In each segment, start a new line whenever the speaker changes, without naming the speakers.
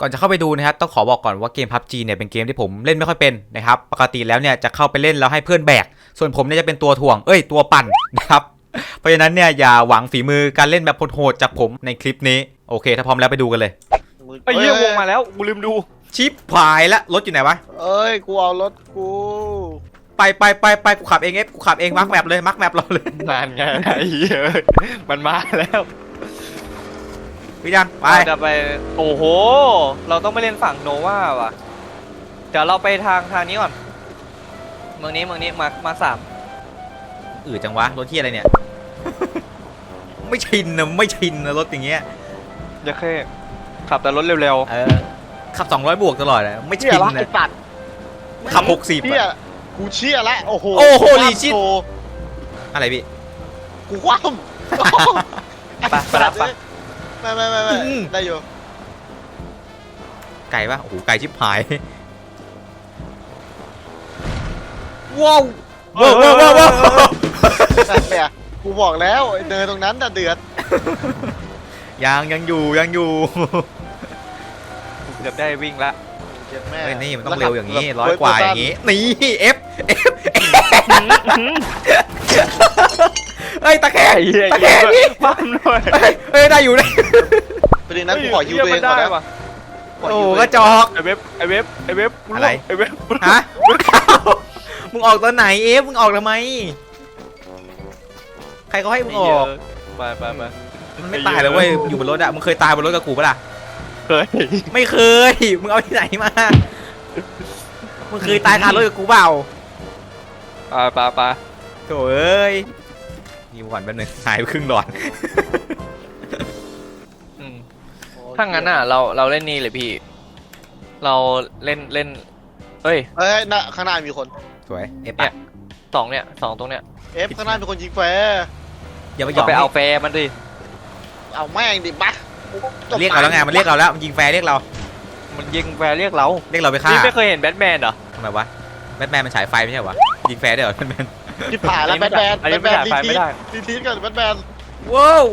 ก่อนจะเข้าไปดูนะครับต้องขอบอกก่อนว่าเกม PUBG เนี่ยเป็นเกมที่ผมเล่นไม่ค่อยเป็นนะครับปกติแล้วเนี่ยจะเข้าไปเล่นแล้วให้เพื่อนแบกส่วนผมเนี่ยจะเป็นตัวถ่วงตัวปั่นนะครับเพราะฉะนั้นเนี่ยอย่าหวังฝีมือการเล่นแบบโหดๆจากผมในคลิปนี้โอเคถ้าพร้อมแล้วไปดูกันเลย
ไอ้เหี้ยวงมาแล้วกูลืมดู
ชิปหายละรถอยู่ไหนวะ
เอ้ยกูเอารถกู
ไปกูขับเองกูขับเองมาร์คแมปเลยมาร์คแมปเราเลย
นานไงไอ้เหี้ยมันมาแล้ว
พี่ยังไป
เราจะไปโอ้โหเราต้องไปเล่นฝั่งโนวาว่ะเดี๋ยวเราไปทางนี้ก่อนเมืองนี้มาสาม
จังวะรถที่อะไรเนี่ย ไม่ชินนะรถอย่างเงี้ย
จะแค่ขับแต่รถเร็ว
ขับ200 บวกตลอดเลยไม่ชิ
เชี่ย
น
ละ
นะ
ไอ้สัตว์
ขับ60
เชี่ยกูเชี่ยละโอ้โห
โอ้โห
คว่ำ
ลีชิต
โชว์
อะไรพี่
กูคว่ำ
ๆไปรับปะ
ไม่ได้อยู่
ไก่ปะโอ้โหไก่ชิบหายว้าว
เนี่ยกูบอกแล้วไอ้เดินตรงนั้นน่ะเดือด
ยังอยู่
เกือบได้วิ่งละ
เจ็บแม่
เฮ้ยนี่มันต้องเร็วอย่างนี้100 กว่าอย่างนี้นี่F เฮ้ยตะแคง ตะแคงพี่
ปั้มด้วย
เฮ้ยได้อยู่เลย
ประเด็นนั้นกูขอยูตัวเองก่อนนะ
ว่ะ
ขอ
โอ้
ยูตัวเอง
กระจอก
ไอเว็บ
อะไร
ไอเว็บ
ฮะมึงออกตอนไหนมึงออกทำไมใครเขาให้มึงออก
ไป
มันไม่ตายเลยเว้ยอยู่บนรถอะมึงเคยตายบนรถกับกูปะล่ะ
เคย
ไม่เคยมึงเอาที่ไหนมามึงเคยตายคารถกับกูเปล่า
ไป
โถ่เอ้ยนี่ก่อนแป๊บนึงหายไปครึ่งหลอด
ถ้างั้นอ่ะเราเล่นนี่เลยพี่ เราเล่นเฮ้ย
เฮ้ยน่ะข้างหน้ามีคน
สวยเอฟ
เนี่ยสองตรงเนี้ย
เอฟข้างหน้ามีคนยิงแฟร์
อย่าไปหย
ก็
อก
ไปเอาแฟร์มันดิ
เอาแม่งดิบะ
เรียกเราแล้วไงมันเรียกเราแล้วมันยิงแฟร์เรียกเรา
มันยิงแฟร์เรียกเรา
เรียกเราไปฆ่า
พี่ไม่เคยเห็นแบทแมนเหรอ
ทำไมวะแบทแมนมันฉายไฟไม่ใช่เหรอวะยิงแฟร์ได้เหรอแบทแมน
ที่ผ่านแล้วแบทแมน
อันนี้ไม่ได้
รี
ไม่ได้
ทีสกันแบทแมน
ว้าว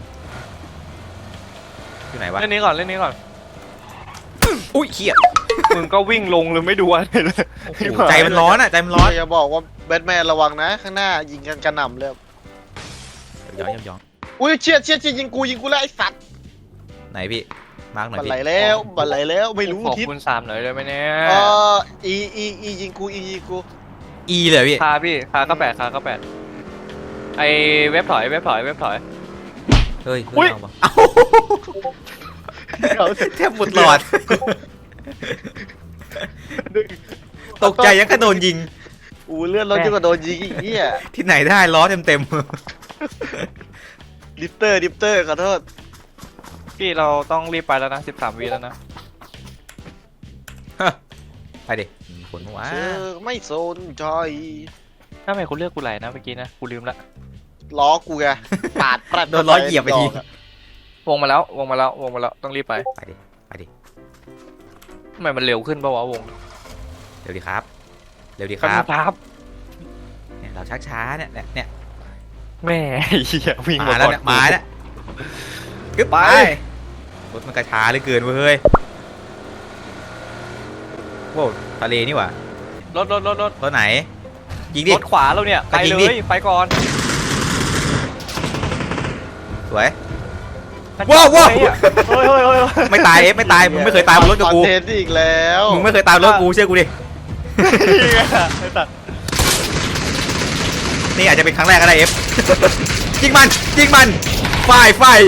อยู่ไหนวะ
เล่นนี้ก่อน
อุ้ยเขี้ย
มึงก็วิ่งลงเลยไม่ดูอะไรเลย
ใจมันร้อนอ่ะใจมันร้อน
อย่าบอกว่าแบทแมนระวังนะ ข้างหน้ายิงกันกระหน่ำเลย
ย้อน
อุ้ยเชี่ยยิงกูแล้วไอ้สัตว์
ไหนพี่มาร์กหน่อย
บัน
พี่
ไหลแล้วไม่รู้
ขอ
ทิศ
คุณ3หน่อยได้ไหมเนี่ย
อียิงกู
อีเลยพี่
คาก็แปดไอเว็บถอย
เฮ้ย
อุ๊ย
เอาวะเอ้าแทบหมดหลอดตกใจยังกระโดนยิง
อู้เลื่อนรถยิ่งกว่าโดนยิงอีกเหี้ย
ที่ไหนได้ล้อเต็ม
ดิฟเตอร์ขอโทษ
พี่เราต้องรีบไปแล้วนะ13 วิแล้วนะ
ไปดิผลหัว
เธอไม่สนใจ
ถ้าไม่คุณเลือกกูไหลนะเมื่อกี้นะกูลืมละ
ล้อกูไงปาดแปรด
โดนล้อเหยียบไปที
วงมาแล้วต้องรีบไป
ไปดิ
ทำไมมันเร็วขึ้นป่าวะวง
เร็วดีครับ
ครับ
เนี่ยเราชักช้าเนี่ย
แม่เหี้ยวิ่ง
มา
มา
แล้ว
ก่อน
เนี่ยมาแล้วกึ๊บไปรถมันกระช้าเหลือเกินเว้ยโว้ทะเลนี่หว่าร
ถ
รถไหนยิงดิ
รถขวาเราเนี่ยไป
ยิง
เล
ดิ
ยไปก่อน
สวย
เฮ้ย
ไม่ตายไม่ตายมึงไม่เคยตายบนรถกับกู
คอนเทนต์อีกแล้ว
มึงไม่เคยตายบนรถกูเชื่อกูดิ
ไอ้สัตว์
นี่อาจจะเป็นครั้งแรกก็ได้เอฟ ยิงมันไฟ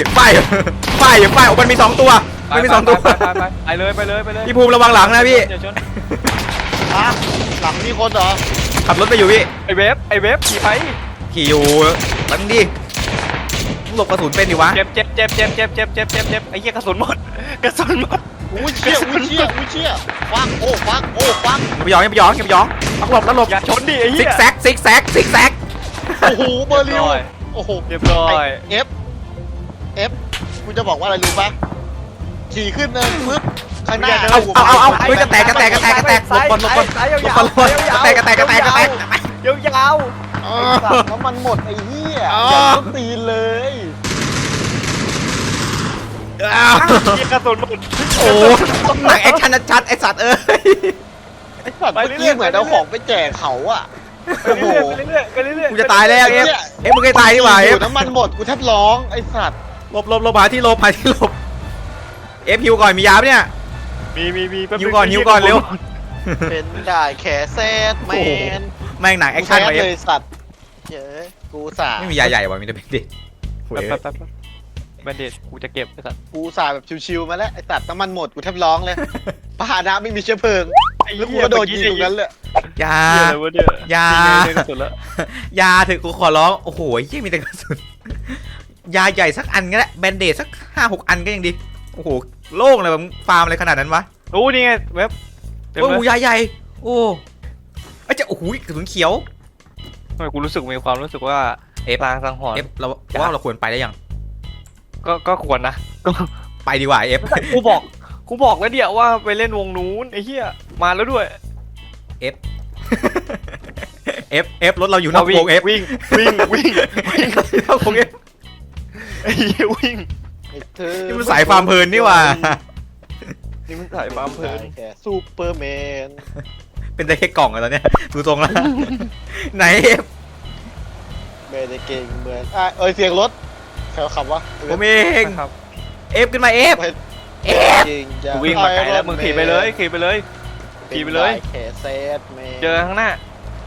มันมี2 ตัวมันมี2 ตัว
ไปเลย
พี่ภูมิระวังหลังนะพี่
อย่าชน
อ่ะหลังมีคนเหรอ
ขับรถไปอยู่พี่
ไอเวฟขี่ไป
ขี่อยู่ตั้งดิหลบกระสุนเป็นดิวะ
เจ็บไอ้เหี้ยกระสุนหมด
อุ้ยเชี่ยฟังฟัง
อย่าไปหยองต้องหลบแล้วหลบ
อย่าชนดิไอ้
ซิ
เหี้
ก
ย
แซก
โอ้โหเบอร์ลิวโอ้โห
เรียบร้อย
เอฟกูจะบอกว่าอะไรรู้ปะขี่ขึ้นเนินปึ๊บข้างหน้า
เอาเฮ้ยกระแตกหลบก่อนกระแตก
ยาว
ไอ้สัตว์น้ำมันหมดไอ้เหี้ยอย่าต้องตีนเลย
ยิงกระสุนหมด
โอ้หนังแอคชั่นชัดๆไอสัตว์เอ้ย
ไอ้สัตว์เมื่อกี้เหมือนเอาของไปแจกเขาอะ
ไปเรื่อยๆไปเรื่อยๆไปเรื่อยๆ
กูจะตายแล้วเอฟมึงใกล้ตายดีกว่าเอ
อ
ฟ
ยู่น้ำมันหมดกูแทบร้องไอ้สัตว์
หลบหาที่หลบเอฟฮิวก่อนมียาปะเนี่ย
มีแป๊บ
หิวก่อนหิวก่อนเร็ว
เป็นได้แขแซดแมน
แม่งหนังแอคชั่น
กู
ไป
แซด
เอฟ
เลยสัตว์เย้กูสา
ไม่มียาใหญ่ว่ะมีแต่เป็นเด็ก
แป๊บแบนเดจกูจะเก็บไอ้สัตว์
กูสาแบบชิวๆมาแล้วไอ้สัตว์น้ำมันหมดกูแทบร้องเลยปานะไม่มีเชื้อเพลิงแล้วกูก็โดนยิงตรงนั้นเลย
ยา
เหี้ยอะไรวะเนี่ย
ยา
นี่ไงสุดแล้ว
ยาถึงกูขอร้องโอ้โหยี่มีแต่กระสุนยาใหญ่สักอันก็ได้แบนเดดสัก5-6 อันก็ยังดีโอ้โหโล่งเลยแบบฟาร์มอะไรขนาดนั้นวะ
โอ้นี่ไงเว็บเต็ม
โอ้
เล
โห
ย
ยาใหญ่โอ้ไอ้เจ้าโอ้โหกระสุนเขียว
ทำไมกูรู้สึกมีความรู้สึกว่า
เอฟ
ลางสังหร
เอ
ณ์
ฟเราว่าเราควรไปได้ยัง
ก็ควรนะก็
ไปดีกว่าเอฟ
กูบอกแล้วเดี๋ยวว่าไปเล่นวงนู้นไอ้เหี้ยมาแล้วด้วย
เอฟรถเราอยู่นอกวงเอฟ
วิ่ง
นอกวงเอฟ
ไอ้เหี้ยวิ่ง
ไอ้เธอ
นี่มันสายฟาร์มเพลินนี่หว่า
นี่มันถ่ายความเพลิน
แค่ซูเปอร์แมน
เป็นได้แค่กล่องอะตอนเนี้ยดูตรงแล้ว ไหนเอฟ
ไม่ได้เก่งเหมือนเสียงรถใครขับวะ
ผมเอง
นะครับ
เอฟขึ้นมาเอฟ
จริงจัง
กูวิ่งมาไกลแล้วมึงขี่ไปเลยขี่ไปเลย ขี่ไปเลย
แขแซดแมน
เจอข้างหน้า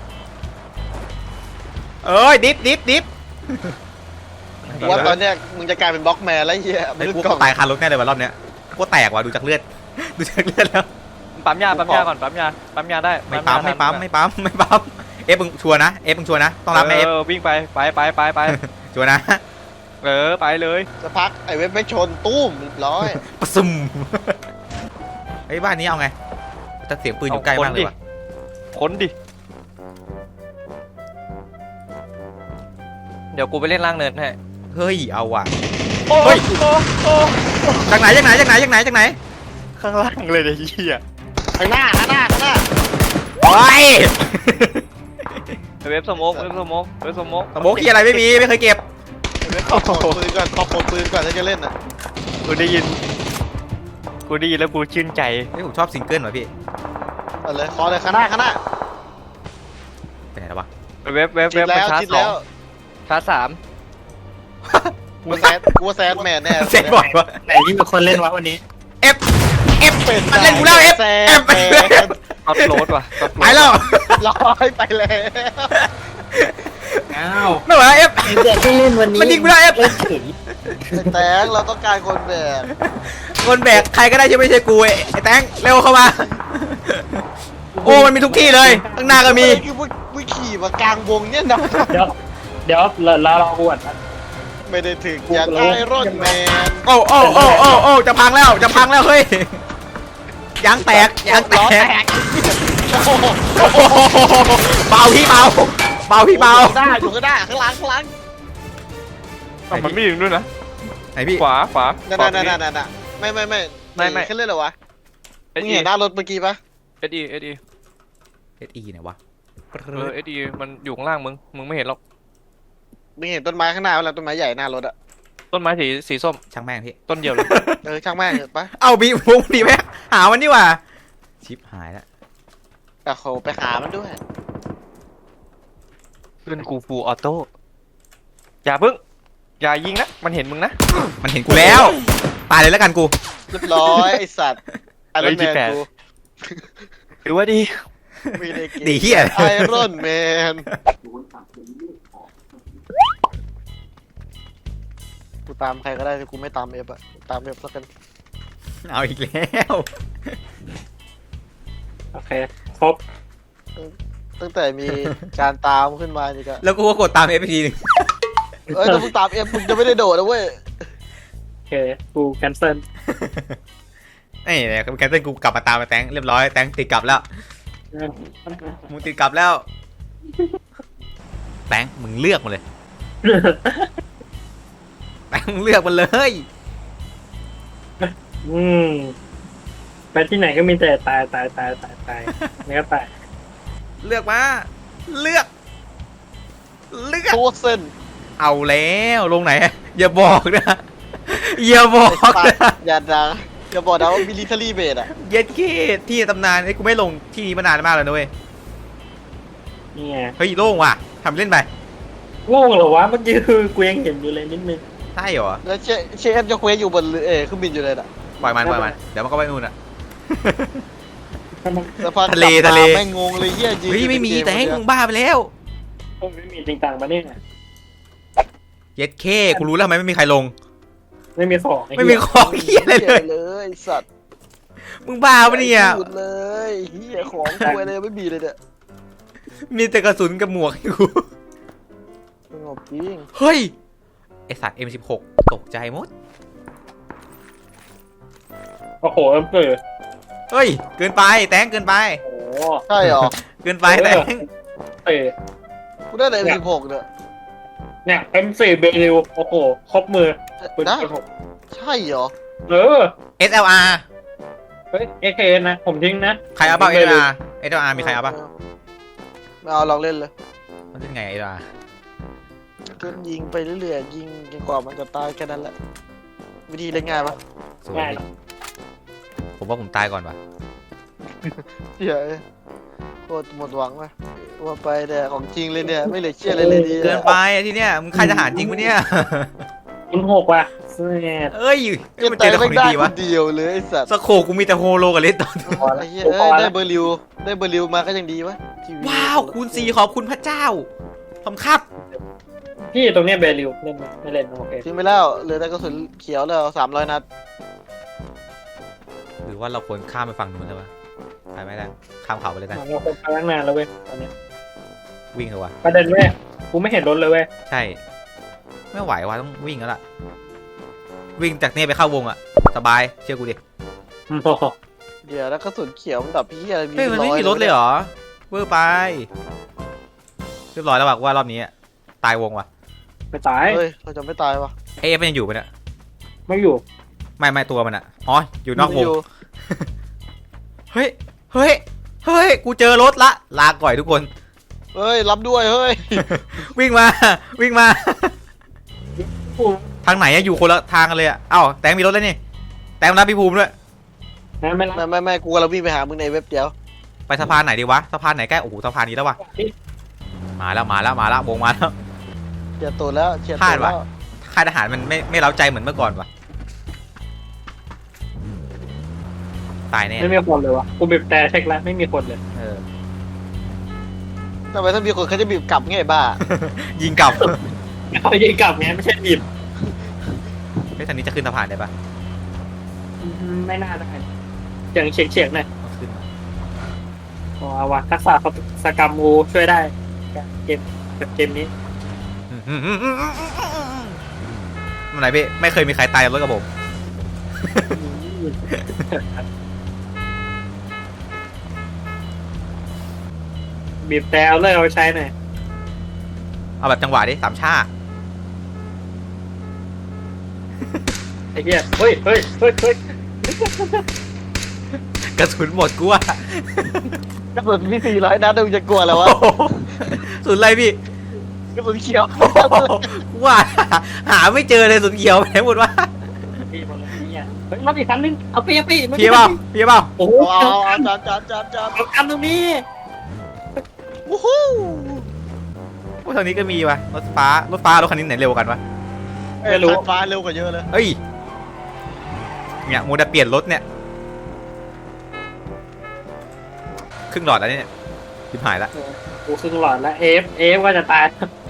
เอ้ยดิฟ
ว่าตอนเนี้ยมึงจะกลายเป็นบล็อกแมนแล้วไอ้เหี้ย
ไอ้
มึง
กู
กล่
ก็
อง
ตายคารถแน่เลยว่ะรอบเนี้ยกูแตกว่ะดูจากเลือด ดูจากเลือดแล้ว
ปั๊มยาก่อนปั๊มยาได้
ไม่ปั๊มเอฟมึงชัวร์นะเอฟมึงชัวร์นะต้องรับไหมเอฟ
วิ่งไป
ชัวร์นะ
ไปเลย
จะพักไอ้เว็บไม่ชนตุ้มเรียบร้อย
ปะซุ่มไอ้ยบ้านนี้เอาไงแต่เสียงปืนอยู่ใกล้มากเลยว่ะ
ค้นดิเดี๋ยวกูไปเล่นล่างเนินให้
เฮ้ยเอาว่ะ
โอ้
เฮ้ย
โอ้
จากไหน
ข้างล่างเลยไอ้เหี้ย
ข้างหน้า
โอ้ย
เว็บสโมก
สโมกที่อะไรไม่มีไม่เคยเก็บ
เว็บขอปลดปืนก่อนถ้าจะเล่นน่ะ
กูได้ยินแล้วกูชื่นใจ
เฮ้ยผมชอบซิงเกิลว่ะพี่
เอาเลยขอเลยข้างหน้า
ไปไหนแล้ววะ
เว็บ
ชิด
มัน
แล้ว
ชาร์
ชิ
จ
ดแล้ว
ชาร์จสาม
กูว่าแซดแมนแน่
เซ็ตบ่อยวะ
ไหนที่มีคนเล่นวะวันนี้
เอฟมันเล่นกูแล้วเอฟ
แซ
เอ
ด
ฟ
แมน
อัพโหลดว่ะ
ไปแล้ว
ร้อยไปแล้ว
อ้าว
ไม่ไหวเอฟ
ไอ้เด็กที่เล่นวันนี้
มันยิงกูแล้วเอฟ
เฉย
แตงเราต้องการคนแบก
คนแบกใครก็ได้ที่ไม่ใช่กูไอ้แตงเร็วเข้ามา โอ้มันมีทุกที่เลยข้างหน้าก็มี
คือมึงขี่มากลางวงเนี่ยนะ
เดี๋ยวเราอวดนะ
ไม่ได้ถึงอยากไอรอนแมน
โอ้จะพังแล้วเฮ้ยยางแตก
ล้อแตกโอ้โห
เบาพี่เบาพี่เบา
อยู่ก็ได้ข้างหลัง
มันไม่ถึงด้วยนะ
ไหนพี่
ขวา
นั่นไม่แค่เล่นเหรอวะมึงเห็นหน้ารถเมื่อกี้ปะ
SE
เอสอีไหนวะ
SE มันอยู่ข้างล่างมึงไม่เห็นหรอก
มึงเห็นต้นไม้ข้างหน้าแล้วต้นไม้ใหญ่หน้ารถอะ
ต้นไม้สีส้ม
ช่างแม่งพี่
ต้นเดียวเลย
ช่างแม่งเถอะปะ
เอาบีวงดีไหมหามันดีกว่าชิปหายแล้ว
แต่เขาไปหามันด้วย
เพื่อนกูฟูออโต้อย่าพึ่งอย่ายิงนะมันเห็นมึงนะ
มันเห็นกูแล้ว ตายเลยแล้วกันกู
เรียบร้อยไอสัตว์ไอรอนแมนกู
ถือว่าดี
ไม่ได้กิน
ดีเหี้ย
ไอรอนแมนกูตามใครก็ได้แต่กูไม่ตามเอฟอะตามเอฟแล้วกัน
เอาอีกแล้ว
โอเคครบ
ตั้งแต่มีการตามขึ้นมานี่ก็
แล้วกูก็กดตามเอฟทีนึง
ถ้ามึงตามเอฟมึงจะไม่ได้โดดนะเว้ย
โอเคกูแคนเซิล
นี่เนี่ยแคนเซิลกูกลับมาตามมาแตงเรียบร้อยแตงติดกลับแล้วมึงติดกลับแล้วแตงมึงเลือกมาเลยแตงมึงเลือกมาเลย
ไปที่ไหนก็มีแต่ตายไม่ก็ตาย
เลือกมาเลือก
โคเส้น
เอาแล้วลงไหนอย่าบอกนะอย่าบอกนะ
อย่าดัง
อย่า
จะบอกนะว่ามิลิเทอรี่เบสอะ
เย็ดเก้ที่ตำนานไอ้กูไม่ลงที่นี้มานานมากแล้วนะเว้ย
นี่ไง
เฮ้ยโล่งว่ะทำเล่นไป
โง่เหรอวะเมื่อกี้คือกูยังเห็นอยู่เลยนิดนึง
ใช่เหรอ
แล้วเชฟจะเควสอยู่บนเครื่องบินอยู่เลยน่ะ
ปล่อยมันเดี๋ยวมันก็ไปนู่นอ่ะ
สะพาน
ทะเล
กบ
ทะเล
แม่งงงเลยเฮียยืน
เฮ้ยไม่มี
อยู่ใน
แต่ให้
เก
มึงบ้าไปแล้ว
ผมไม่มีจริงจังมาเนี่ย
เย็ดเก้กูรู้แล้วทำไมไม่มีใครลง
ไม่มีของอ้
ไม่มี
เหี้ย
ของเหี้ยอะไร
เหี้
เลย
เลยไอ้สัตว์
มึงบ้าปะเนี่ย
หยุดเลยเฮียของกูเลยไม่มีเลยเนี่ย
มีแต่กระสุนกับหมวกให้กู
สงบจริง
เฮ้ยไอสัตว์ M16 ตกใจหมด
โอ้โหเปิด
เฮ้ยเกินไปแตงเกินไป
โอ้โห
ใช่เหรอ
เกินไปแตง
เปิด
กูได้แต่M16เนี่ย
เนี่ย M4 เบลิวโอ้โหครบมือปืน
นะ
ผม
ใช่เหรอ
เออ
SLR
เฮ้ย AK นะผมทิ้งนะ
ใครเอาเปล่า SLR มีใครเอาเปล่า
ไม่เอาลองเล่นเลย
มันเป็นไง SLR
ก็ยิงไปเรื่อยๆยิงจนกว่ามันจะตายแค่นั้นแหละวิธีเล่นง่ายปะ
สวย
ง่าย
ดิผมว่าผมตายก่อนว่ะ
เหี้ยโคตรหมดหวังว่ะว่าไปแต่ของจริงเลยเนี่ยไม่เหลือเชื่อเลยดี
เกินไปอะที่เนี้ยมึงค่ายทหารจริงปะเนี่ย
คุณหกว่ะเสียด
เอ้ย
เก็บ
มัน
แต่
เจอแต่ข
ไม่
อง
ได้
ดีๆ
คว
ะ
นเดียวเลยไอ้สัตว์
สโคกูมีแต่โฮโลกับเลสตอน
พอละ
ไอ้เหี้ย
พอ
ได้
ละ
เบอร์ลิวมาก็ยังดีวะที
ว้าวคูณ4ขอบคุณพระเจ้าขอบคุณครับ
พี่ตรงเนี้ยเบลิวเล่นไหมไม่เล่นโอเค
ทิ้งไปแล้วเหลือแต่กระสุนเขียวแล้ว300 นัด
หรือว่าเราควรข้ามไปฝั่งนู้นเลยวะไปไม่ได้ข้ามเขาไปเลยกัน
เราคนไปตั้งนานแล้วเว้ยตอนเนี้ย
วิ่งเถอะวะ
ประเด็นเว้ยกูไม่เห็นรถเลยเว้ย
ใช่ ไม่ไหววะต้องวิ่งแล้วล่ะ วิ่งจากเนี่ยไปเข้าวงอะสบายเชื่อกูดิ
โอ้โห
เดี๋ยวแล้วกระสุนเขียวมันดับพี่อะไร
เฮ้ยมันไม่มีรถเลยเหรอเวอร์ไปเรียบร้อยแล้วว่ะว่ารอบนี้อะตายวงว่ะ
ไม่ตาย
เฮ้ยเราจะไม่ตายวะ
เอฟมันยังอยู่ปะเนี่ย
ไม่อยู่
ไม่ตัวมันอะอ๋ออยู่นอกว
ไม่
ง
ยู่
เฮ้ยเฮ้ยเฮ้ยกูเจอรถละลาก่อยทุกคน
เฮ้ยรับด้วยเฮ้ย
วิ่งมาวิ่งมา
กู
ทางไหนอะอยู่คนละทางกันเลยอะเอ้าแตงมีรถแล้วนี่แตงรับพี่ภูมิด้วย
นะไม่รับ
ไม่กูกำลังวิ่งไปหามึงในเว็บเดียว
ไปสะพานไหนดีวะสะพานไหนใกล้โอ้โหสะพานนี้แล้ววะมาแล้ววงมาแล้ว
เฉียดตัวแล้วเฉียด
พลา
ตั
ด
ว
ว่ะ
แล้ว
ค่ายทหารมันไม่เล้าใจเหมือนเมื่อก่อนวะตายแน่
ไม่มีคนเลยวะกูบีบแต่เช็คแล้วไม่มีคนเลย
เออ
ทำไมถ้ามีคนเขาจะบีบกลับไงบ้า
ยิงกลับ
เขายิงกลับไงไม่ใช่บีบ
เฮ้ยทางนี้จะขึ้นสะพานได้ปะ
ไม่น่าได้อย่างเฉียงๆหน่อย
ต้องขึ้นมา
เอาวะทักษะเขาสกรรมกูช่วยได้เกมแบบเกมนี้
มันไหนพี่ไม่เคยมีใครตายกับรถกับผม
บีบแต่เอาเลยเอาใช้หน่อย
เอาแบบจังหวะดิสามชา
ไอ้เหี้ยเฮ้ย
กระสุนหมดกูอะ
กระสุนมี400 นัดมึงจะกลัวแล้ววะ
สุดอะไรพี่
กระสุนเขียว
กูว่าหาไม่เจอเลยสุดเขียวไปไหนหมดวะ
พี่บอลเลยเนี่ยเฮ้ยรถอีกคันนึงเอาไป
พี่เปล่า
โอ้โห
เอาจับ
เอาคันตรงนี้
วู้ฮู้
พวกทางนี้ก็มีวะรถฟ้ารถคันนี้ไหนเร็วกันวะ
ไม่รู้ฟ้าเร็วกว่าเยอะเลย
เฮ้ยเนี่ยโมเดลเปลี่ยนรถเนี่ยครึ่งหลอดแล้วเนี่ยทิบหายละ
กูครึ่งหลอดแล้วเอฟก็จะตาย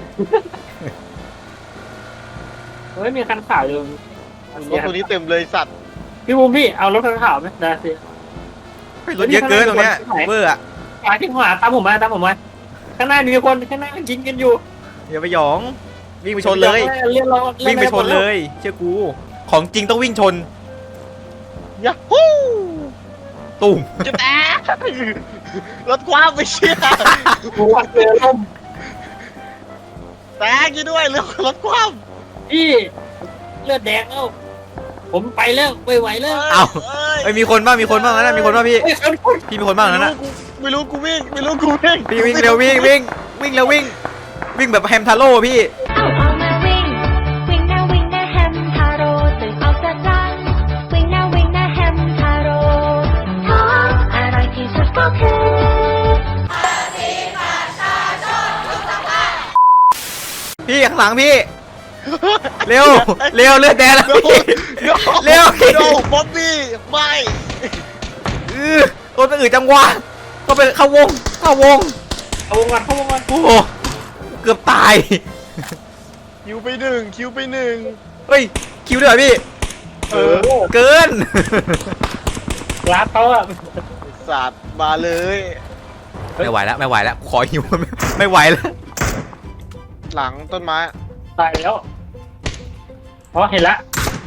เฮ้ยมีคันขาวอยู่
รถตัวนี้เต็มเลยสัตว์
พี่บูมพี่เอารถคันขาวไหมได้สิ
เฮ้ยรถเยอะเกินตรงเนี้ยเบอร์อะ
ขวาที่ขวาตามผมมาข้างหน้ามีคนข้างหน้ายิงกันอยู่
อย่าไปหยองวิ่งไปชนเลย
เรียนรอ
วิ่งไปชนเลยเชื่อกูของจริงต้องวิ่งชน
ยาฮู้
ตุ่ม
จะแตกรถคว้าไปเชี่ย
กูว่าเจอล่ม
แตกยี่ด้วยรถคว้า
พี่เลือดแดงแล้วผมไปแล้วไม่ไหวแล้ว
ไอ้ยมีคนบ้างนะมีคนบ้างพี่
เฮ้ยคน
พี่มีคนบ้างนั้นนะ
ไม่รู้กูวิ่ง
พี่วิ่งเร็ววิ่งเร็ววิ่งแบบแฮมทาโร่พี่
เอาออกมาวิ่ง วิ่งหน้าแฮมทาโร่ตื่นออกจากรังวิ่งหน้าแฮม
ข้างหลังพี่ เร็วเร็วเลือดแดงแล้ว
โน
พี่
โน
เร็ว
โนบ๊อบบี้ไม่
โดนไปอื่นจังหวะก็ไปเข้าวง
เอาวงก่อนเข้าวงก่อน
โอ้โหเกือบตาย
คิวไปหนึ่งคิวไปหนึ่ง
เฮ้ยคิวด้วยเหรอพี่
เออ
เกิน
ร้านเขาอะ
สัตว์มาเลย
ไม่ไหวแล้วไม่ไหวแล้วขอหิว ไม่ไหวแล้ว
หลังต้นไม้
ตายแล้วอ๋อเห็นละ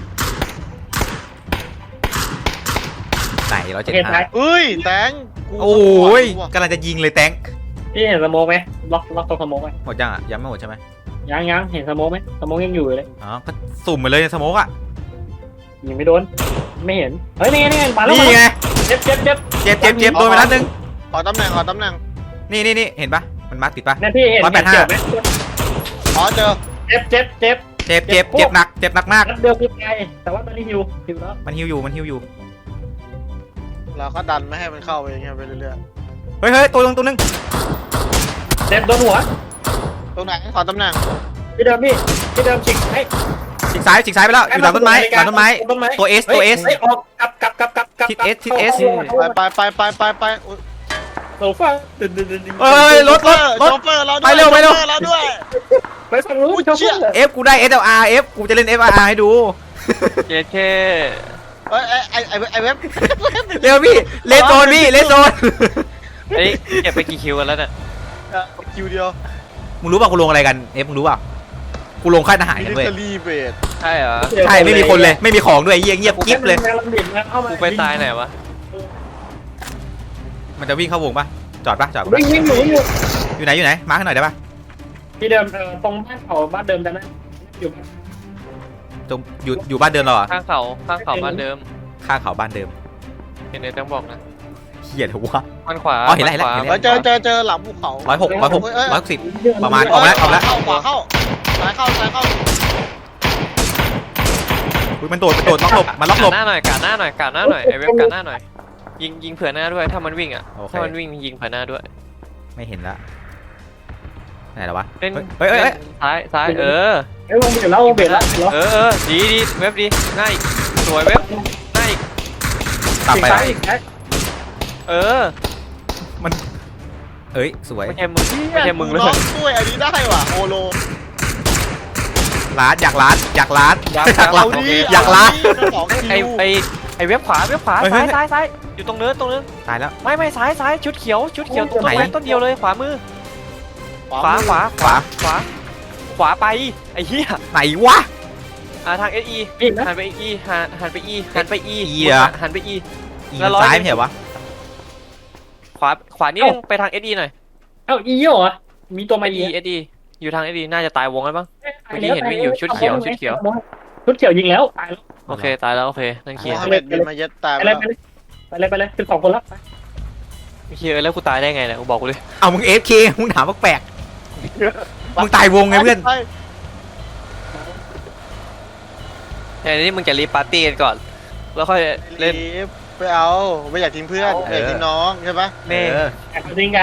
ไหนเราเจ็ด
เห็นไหม
ห้า
เอ้ยแตงกู
โอ้ย
ว่ะ
กำลังจะยิงเลยแตง
พี่เห็นสโมกไหมล็อกตัวสโมกไหม
หมดยังอ่ะยังไม่หมดใช่ไหม
ยังเห็นสโมกไหมสโมกยังอยู่เลย
อ๋อก็สุ่มไปเลยในสโมกอ่ะ
ยิงไม่โดนไม่เห็นเฮ้ยนี่มาแล้ว
นี่ไง
เจ็บ
เจ็บโดนไปนัดนึง
ขอตำแหน่งขอตำแหน่ง
นี่เห็นปะมันมาร์กติดปะ
นั่นพี่เห็น
185
เจ็บไหม
อ๋อเจอ
เจ็บ
เจ็บหนักมาก
นัดเดียวคือตายแต่ว่าตอนนี้ฮิวแล้ว
มันฮิวอยู่
เราก็ดันไม่ให้มันเข้าไปอย่างเงี้ยไปเรื่อย
เฮ้ยตัวนึง
เจ็บโดนหัว
ๆตรงไหนขอตำแหน่ง
พี่เดิมฉีกให้
ฉีกซ้ายไปแล้วอยู่หลังต้นไม้ตัว S
ออกกลับ
ทิศ S ทิศ S
ไปอุ๊ย
โซฟา
เอ้ยรถ
โชเฟอร์เราด้วย
ไปเร็ว
โชฟอร์เราด้วย
ไปฝั่งนู้น
อุ๊ยเชี่ย
F กูได้ SLR F กูจะเล่น FRR ให้ดู
เจเค
เอ้ยไอเว็บ
เร็วพี่เลนโซนพี่เลนโซน
เฮ้ยเก็บไปกี่คิวกันแล้วเนี่ย
คิวเดียว
มึงรู้ป่ะกูลงอะไรกัน F มึงรู้ป่ะกูลงค่ายทหาร
มิ
กัน
ลิ
เว้ย
เตอรี่เบส
ใช่เหรอ
ใช่ไม่มีคนเลยไม่มีของด้วยเงียบกิ๊บเลย
กูไปตายไหนวะ
มันจะวิ่งเข้าวงป่ะจอดป่ะ
วิ่งอยู่
อยู่ไหนมาร์คให้หน่อยได้ป่ะ
ที่เดิมตรงบ้านเดิมแต่นั้นอยู่
ตรงอยู่บ้านเดิมเราอ่ะ
ข้างเขาบ้านเดิม
ข้างเขาบ้านเดิม
เห็นในต้องบอกนะ
เฮียเถอะวะ
มันขวา
อ๋อเห็นแล้ว
มัขวา
เห็นแล้ว
แล้วเจอหลังภูเขา
160ประมาณออกแล้ว
ขวาเข้าซ้ายเข้า
อุ๊ยมันโดดล็อกหลบมันล็อกหลบ
กาดหน้าหน่อยไอเว็บกาดหน้าหน่อยยิงเผื่อหน้าด้วยถ้ามันวิ่งอ่ะ
โอเค
ถ้ามันวิ่งยิงเผื่อหน้าด้วย
ไม่เห็นละไหนแล้ววะ
เล่น
เฮ้ย
ซ้ายเออ
วงเบียดแล้ว
เออดีเว็บดีง่ายสวยเว็บง่าย
ตับไปแล้ว
เออ
มันเอ้ยสวย
ไม่ใช่มึงเลย
น้องด้วยอันนี้ได้ว่ะโอโล
อยากร้าน
เอาดิ
อยากล้า
2
ไอ
คิว
เว็บขวา
เฮ้ย
ซ้ายอยู่ตรงเนิน
ตายแล้ว
ไม่ซ้ายชุดเขียวต้น
ไหน
ไม้ต้นเดียวเลยขวามือขวาไปไอ้เหี้ย
ไหนวะ
ทาง SE
อีกนะ
หันไป E หันไป E หันไป E
เหรอ
หันไป E
อี
แล้วร้อย
ซ้ายไม่ใช่วะ
ขวานิดนึงไปทาง SE หน่อย
อีเหรอมีตัวมา
SE อยู่ทาง SE น่าจะตายวงแล้วมั้ง ชุดเขียว
ยิงแล้วตายแล้ว
โอเคตายแล้วโอเคนั่นเคลียร์
โมฮัมเหม็ดบินมาเย็ดตาย
ไป
แล้ว
เลยเป็น2คนแล้ว
เคลียร์แล้วกูตายได้ไงเนี่ยกูบอกกูเลย
เอามึง FK มึงถามว่าแปลกมึงตายวงไงเพื่อน
แต่นี่มึงจะรีบปาร์ตี้กันก่อนแล้วค่อยเล่น
ไปเอาไม่อยากทิ้งเพื่อนไม่อยากทิ้งน้องใช่ปะ
แม่
ยิงกัน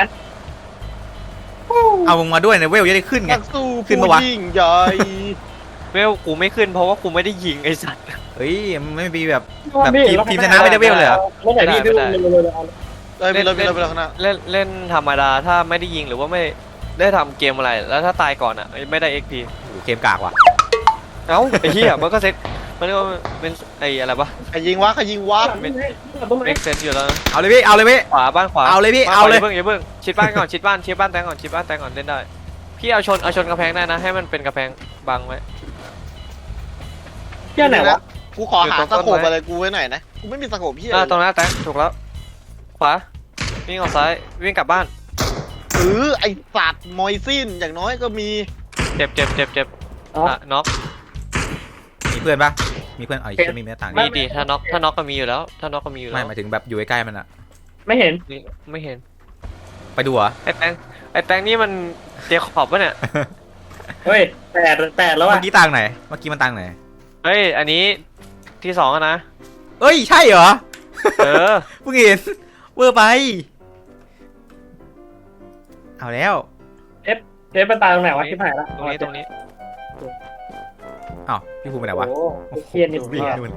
เอามึงมาด้วยนะเวลจะได้ขึ้นไง
นักสู้
ขึ้น
ผู้
ปะวะ
ยิ่งใหญ่
เวลกูไม่ขึ้นเพราะว่ากูไม่ได้ยิงไอ้สัตว์
เฮ้ยมันไม่มีแบบทีมชนะไม่ได้เวลเลยเหรอ
ไม่ไหนพี่
เลยไปเลยข้างหน้า
เล่นธรรมดาถ้าไม่ได้ยิงหรือว่าไม่ได้ทำเกมอะไรแล้วถ้าตายก่อนอ่ะไม่ได้ XP
โอ้โหเกมกากว่ะ
เอ้าไอ้เหี้ยมันก็เซ็ตมันเรียกว่าเป็นไอ้อะไรปะ
ใครยิงวะ
เอ็กเซนอยู่แล้ว
เอาเลยพี่เอาเลยพี่
ขวาบ้านขวา
เอาเลยพี่เอาเลย
อย่าเพิ่งชิดบ้านก่อนชิดบ้านแตงก่อนเล่นได้พี่เอาชนกระแพงได้นะให้มันเป็นกระแพงบังไว้
เที่ยไหนวะ
กูขอหาสโคปอะไรกูไว้หน่อยนะกูไม่มีสโคปพี่
ตรงนั้นแตงถูกแล้วขวาวิ่งออกซ้ายวิ่งกลับบ้าน
ไอสัตว์มอยซินอย่างน้อยก็มี
เจ็บน็อก
มีเพื่อนปะมีเพื่อนเอาอีกจะมีเนื้อต่าง
ดีถ้าน็อกก็มีอยู่แล้ว
ไม่หมายถึงแบบอยู่ใกล้ๆมันอะ
ไม่เห็น
ไม่เห็น
ไปดูเหรอ
ไอ้แตงนี่มันเจคอบปะเนี่ย
เฮ้ยแปดแล้ว
เมื่
อ่ะ
อกี้ต่างไหนเมื่อกี้มันต่างไหน
เฮ้ยอันนี้ที่2นะ
เอ้ยใช่เหรอ
เออ
เพิ่งเห็นเวอร์ไปเอาแล้ว
เจ๊ไปตายตรงไหนวะที่ผ่านละ
ตรงนี้
อ้าวพี่ภูมิไปไหนวะ
โอ้โหเครียดนี่
วิ่ง
เนี่ย
นู่น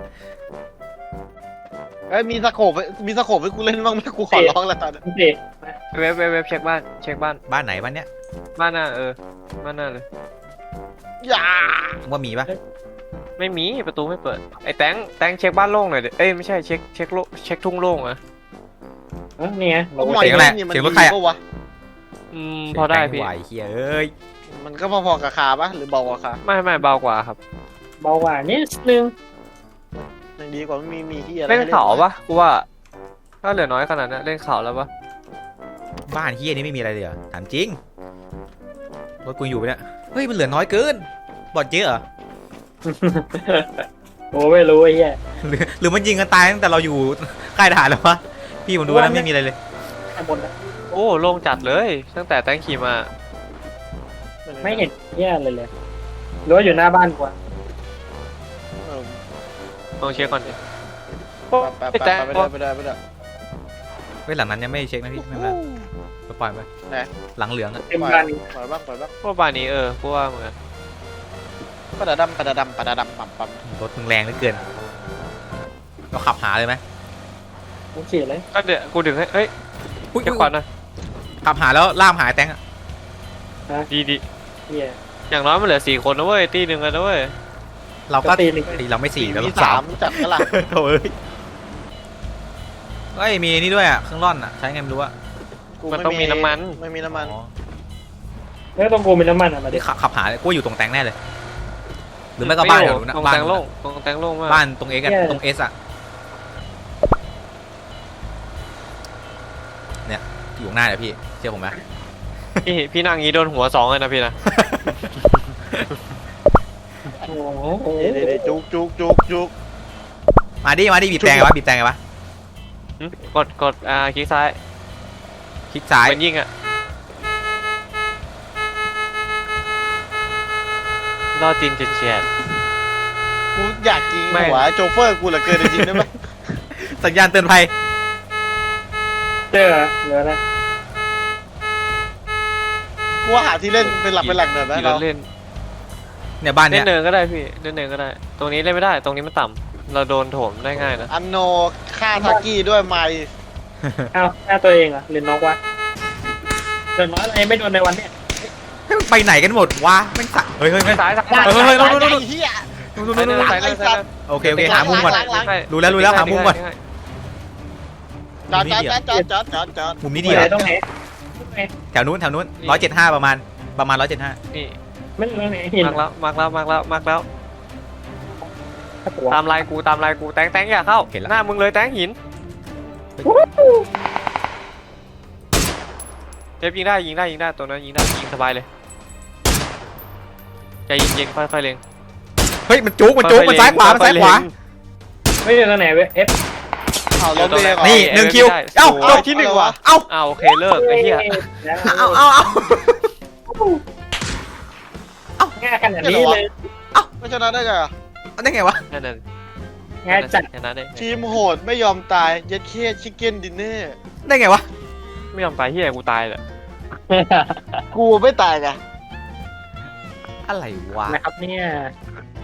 เอ้ยมีสโคปให้กูเล่นบ้างไหมกูขอร้องแล้วตอนนี้
เด็ก
เว็บเช็คบ้านเช็คบ้าน
บ้านไหนบ้านเนี้ย
บ้านหน้าบ้านหน้าเลย
อย่า
ว่ามีปะ
ไม่มีประตูไม่เปิดไอ้แตงเช็คบ้านโล่งหน่อยดิเอ้ยไม่ใช่เช็คทุ่งโล่งอะ
นี่ไง
ต้องหน่อยนี่มันดีปะวะ
พอได้พี่
ไหวเฮียเอ้ย
มันก็พอๆกับคาปะหรือเบากว่าคา
ไม่เบากว่าครับ
เบากว่านิดนึง
ยังดีกว่าไม่มีที่อะไร
เล่นเขาปะกูว่าถ้าเหลือน้อยขนาดนั้นเล่นเขาแล้วปะ
บ้านเฮียนี่ไม่มีอะไรเลยเหรอถามจริงรถกูอยู่ปะเนี่ยเฮ้ยมันเหลือน้อยเกินบอดเยอะเหรอ
โอ้ไม่รู้ไอ้เหี้ย
หรือมันยิงกันตายตั้งแต่เราอยู่ค่ายทหารแล้ววะพี่ผมดูแล้วไม่มีอะไรเลย
ข้างบนนะ
โอ้โล่งจัดเลยตั้งแต่แตงขี่มา
ไม่เห็นเหี้ยเลยหรือว่าอยู่หน้าบ้านกว่า
ลองเช็คก่อนดิ
ไปได้ไปได้
เฮ้ยหลังนั้นยังไม่เช็คนะพี่ไม่เป็นไรปล่อยไปหลังเหลืองอะ
เต็มบ้านนี้
ปล่อยบ้าง
พวกบ้านนี้กูว่าเหมือน
ปะดาดำปั๊ม
รถมึงแรงเหลือเกินเราขับหาเลยไหม
โอเคเลย
ก็เดี๋ยวกูดึงให้เฮ้ย
อุ๊ย
เช็คก่อนนะ
ขับหาแล้วล่ามหายแตงอะ
ดี
เหี้ย
อย่างน้อยมันเหลือ4 คนนะเว้ยตีหนึ่งกันนะเว้ย
เราก็
ตีหนึ่ง
ตีเราไม่สี่แล้ว
มี
เราสาม
จับก็ล่ะ
โถ่เฮ้ยมีนี่ด้วยอ่ะเครื่องร่อนอ่ะใช้ไงไม่รู้อ่ะ
มันต้องมีน้ำมัน
ไม่มีน้ำมัน
อ๋อ
แล้วต้องกูมีน้ำมันอ่ะมาดิ
ที่ขับหาเลยกูว่าอยู่ตรงแตงแน่เลย หรือไม่ก็บ้านเดี๋ยวนู้นนะ
ตรง
บ้าน
แตงโล่งตรงแตงโล่งมาก
บ้านตรงเอ็กอะตรงเอสอะเนี่ยอยู่ข้างหน้าเนี่ยพี่เชื่อผมไหม
พี่นั่งงี้โดนหัว2เลยนะพี่นะ
โอ้โห
เดี๋ยวจุก
มาดิบีบแตงไงวะบีบแตงไงวะ
กดคลิกซ้าย
คลิกซ้าย
เป็นยิงอ่ะล่อจีนเฉียด
กูอยากยิงหัวโจเฟอร์กูเหลือเกินจริงได้ไหม
สัญญาณเตือนภัย
เจอเหลืออะไร
กูว่าหาที่เล่นเป็นหลักเป็นแหล่งหน่อยไหม
ขี่ร
เรา
ถเล่น
เนี่ยบ้าน
เล่
เนี่ย
นเนินก็ได้พี่เล่นเนินก็ได้ ตรงนี้เล่นไม่ได้ตรงนี้มันต่ำเราโดนโถมได้ง่ายนะ
อันโนฆ่าทักกี้ด้วยไม
เอ้าหน้าตัวเองเหรอหรือน้องวะเดินน้อยอะไรไม่โดนในวันเนี้ย
เฮ้ยไปไหนกันหมดวะไม่สะเฮ้ย
ซ้าย
เฮีย
ซ้ายเลยซ้ายเลย
โอเคหามุมก่อน
หลัง
รู้แล้วหามุมก่อน
จอด
มุมนี้ดี
ไห
เหร
น
อ
ตรงไหน
แถวนู้น175ประมาณ175
นี่
ไม่ตรงไหนหิน
มาร์กแล้ว
ถ้าตัว
ตามลายกูแตงอย่าเข้าหน้ามึงเลยแตงหินเจ็บยิงได้ตัวนั้นยิงสบายเลยใจเย็นค่อยๆเล็ง
เฮ้ยมันจุกมันซ้ายขวา
ไม่อยู่ตรงไหนเว้ยเอฟ
เอาล้มเลย
นี่1 คิวเอ้าจบ
ที่1ว่ะ
เอ้า
โอเคเลิกไอ้เหี้ย
เอา
ง่ายขนาดนี้เลย
ไม่ชนะได้ไงอ่ะ
ได้ไงวะ
นั่นน่ะ
ง่ายจัด
ชนะได้
ทีมโหดไม่ยอมตายยัดเคียชิคเก้นดินเนอร์
ได้ไงวะ
ไม่ยอมตายเหี้ยกูตายเลย
กูไม่ตายไง
อะไรวะ
นะครับเนี่ย